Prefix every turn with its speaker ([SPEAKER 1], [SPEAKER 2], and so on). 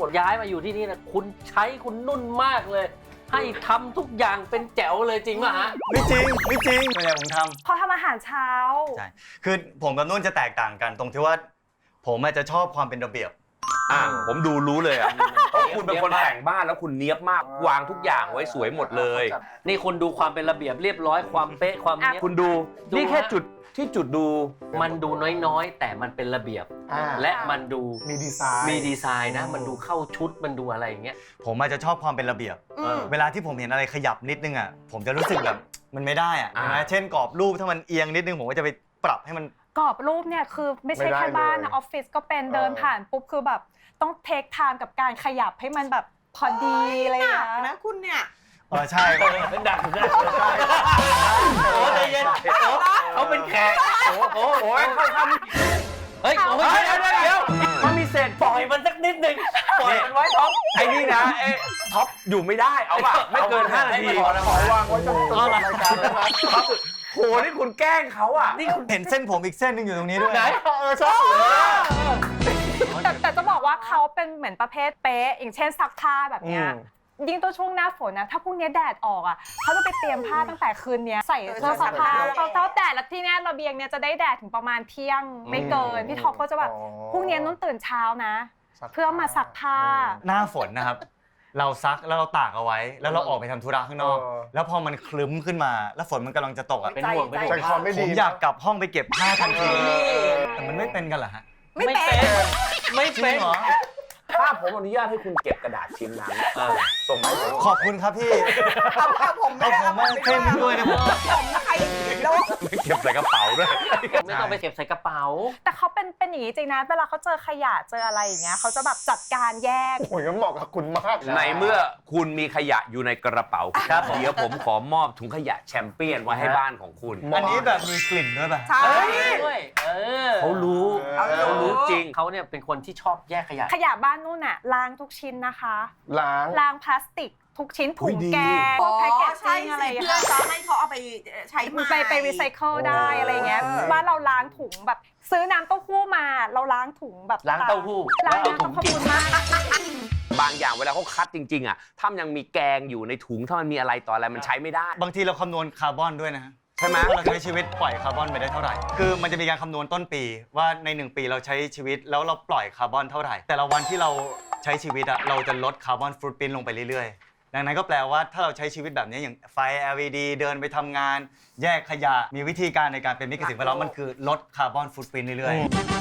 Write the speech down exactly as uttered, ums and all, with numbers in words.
[SPEAKER 1] ย้ายมาอยู่ที่นี่นะคุณใช้คุณนุ่นมากเลย ให้ทำทุกอย่างเป็นแจ๋วเลยจริงป่ะฮะ
[SPEAKER 2] ไม่จริงไม่จริงส่วนใหญ่ผมทำ
[SPEAKER 3] เขาทำอาหารเช้า
[SPEAKER 2] ใช่คือผมกับนุ่นจะแตกต่างกันตรงที่ว่าผมอาจจะชอบความเป็นระเบียบ
[SPEAKER 4] อ่าผมดูรู้เลยอ่ะเพราะคุณเป็นคนแต่งบ้านแล้วคุณเนี๊ยบมากวางทุกอย่างไว้สวยหมดเลย
[SPEAKER 1] นี่คุณดูความเป็นระเบียบเรียบร้อยความเป๊ะความเนี้ย
[SPEAKER 4] คุณดูนี่แค่จุดที่จุดดู
[SPEAKER 1] มันดูน้อยๆแต่มันเป็นระเบียบและมันดู
[SPEAKER 5] มีดีไซน์
[SPEAKER 1] มีดีไซน์นะมันดูเข้าชุดมันดูอะไรอย่างเงี้ย
[SPEAKER 2] ผมอาจจะชอบความเป็นระเบียบเวลาที่ผมเห็นอะไรขยับนิดนึงอ่ะผมจะรู้สึกแบบมันไม่ได้อ่ะนะเช่นกรอบรูปถ้ามันเอียงนิดนึงผมก็จะไปปรับให้มัน
[SPEAKER 3] กรอบรูปเนี่ยคือไม่ใช่แค่บ้านนะออฟฟิศก็เป็นเดินผ่านปุ๊บคือแบบต้องเทคไทม์กับการขยับให้มันแบบพอดีเลย
[SPEAKER 6] นะคุณเนี่ย
[SPEAKER 2] เออใช่
[SPEAKER 1] เป็นดังใช่โอ้ใจเย็นเขาเป็นแขกโอ้โหโอ้ยเขาทำเฮ้ยโอ้ยเดี๋ยวเดี๋ยวมันมีเศษปล่อยมันสักนิดนึงปล่อยมันไว้ท็อป
[SPEAKER 4] ไอ้นี่นะไอ้ท็อปอยู่ไม่ได้เอาป่ะไม่เกินห้านาที
[SPEAKER 5] ขอวางไว้จนจบรายการแล้วนะ
[SPEAKER 4] โหนี่คุณแกล้งเขาอ่ะ
[SPEAKER 2] นี่คุณเห็นเส้นผมอีกเส้นนึงอยู่ตรงนี้ด้วย
[SPEAKER 1] ไหน
[SPEAKER 5] เออใช่
[SPEAKER 3] แต่แต่จะบอกว่าเขาเป็นเหมือนประเภทเป๊ะอย่างเช่นซักผ้าแบบเนี้ยยิ่งตัวช่วงหน้าฝนนะถ้าพรุ่งนี้แดดออกอ่ะเขาจะไปเตรียมผ้าตั้งแต่คืนนี้ใส่เสื้อซักผ้าเขาเท้าแดดแล้วที่นี่ระเบียงเนี่ยจะได้แดดถึงประมาณเที่ยงไม่เกินพี่ท็อปก็จะแบบพรุ่งนี้นุ่นตื่นเช้านะเพื่อมาซักผ้า
[SPEAKER 2] หน้าฝนนะครับเราซักแล้วเราตากเอาไว้แล้วเราออกไปทำธุระข้างนอกแล้วพอมันคลึ้มขึ้นมาแล้วฝนมันกำลังจะตกอ่ะ
[SPEAKER 1] เป็นห่วงเป็นห่วง
[SPEAKER 2] ผมอยากกลับห้องไปเก็บผ้าทันทีแต่มันไม่เป็นกันเหรอฮะ
[SPEAKER 3] ไม่เป็น
[SPEAKER 1] ไม่เป็น
[SPEAKER 2] เหรอ
[SPEAKER 4] ถ้าผมอนุญาตให้คุณเก็บกระดาษชิ้นนั้นส่งมา
[SPEAKER 2] ขอบคุณครับพี่
[SPEAKER 6] เอาผมไม่
[SPEAKER 2] เอาผมมาเพิ่มด้วยนะผม
[SPEAKER 6] ผมใครแล้ว
[SPEAKER 4] ไม่เก็บใส่กระเป๋าด้วย
[SPEAKER 1] ไม่ต้องไปเก็บใส่กระเป๋า
[SPEAKER 3] แต่เขาเป็นเป็นอย่างนี้จริงนะเวลาเขาเจอขยะเจออะไรอย่างเงี้ยเขาจะแบบจัดการแยก
[SPEAKER 5] โอ้ยงั้นเหมาะกับคุณมาก
[SPEAKER 4] ในเมื่อคุณมีขยะอยู่ในกระเป๋าครับเดี๋ยวผมขอมอบถุงขยะแชมเปี้ยนไว้ให้บ้านของคุณ
[SPEAKER 2] อันนี้แบบมีกลิ่นด้วยป่ะ
[SPEAKER 6] ใช่
[SPEAKER 1] ด้วยเออ
[SPEAKER 4] เขารู้เขารู้จริง
[SPEAKER 1] เขาเนี่ยเป็นคนที่ชอบแยกขยะ
[SPEAKER 3] ขยะบ้านนู่นน่ะล้างทุกชิ้นนะคะ
[SPEAKER 5] ล้าง
[SPEAKER 3] ล้างพลาสติกทุกชิ้นถุงแกงแพ็กเกจจิ้งอะไรอย่างเงี้ย
[SPEAKER 6] เพื่อจะให้เขาเอาไปใช้
[SPEAKER 3] ไปไปรีไซเคิลได้อะไรเงี้ยบ้านเราล้างถุงแบบซื้อน้ำเต้าหู้มาเราล้างถุงแบบ
[SPEAKER 1] ล้างเต้าหู้
[SPEAKER 3] ล้างน้ำขอบคุณมาก
[SPEAKER 4] บางอย่างเวลาเขาคัดจริงๆอ่ะถ้ามันยังมีแกงอยู่ในถุงถ้ามันมีอะไรต่ออะไรมันใช้ไม่ได้
[SPEAKER 2] บางทีเราคำนวณคาร์บอนด้วยนะ
[SPEAKER 4] ใช่ไหม
[SPEAKER 2] ว่าเราใช้ชีวิตปล่อยคาร์บอนไปได้เท่าไหร่คือมันจะมีการคำนวณต้นปีว่าในหนึ่งปีเราใช้ชีวิตแล้วเราปล่อยคาร์บอนเท่าไหร่แต่ละวันที่เราใช้ชีวิตอะเราจะลดคาร์บอนฟุตปรินท์ลงไปเรื่อยๆดังนั้นก็แปลว่าถ้าเราใช้ชีวิตแบบนี้อย่างไฟ แอล อี ดี เดินไปทำงานแยกขยะมีวิธีการในการเป็นมิตรกับสิ่งแวดล้อมมันคือลดคาร์บอนฟุตปรินท์เรื่อยๆ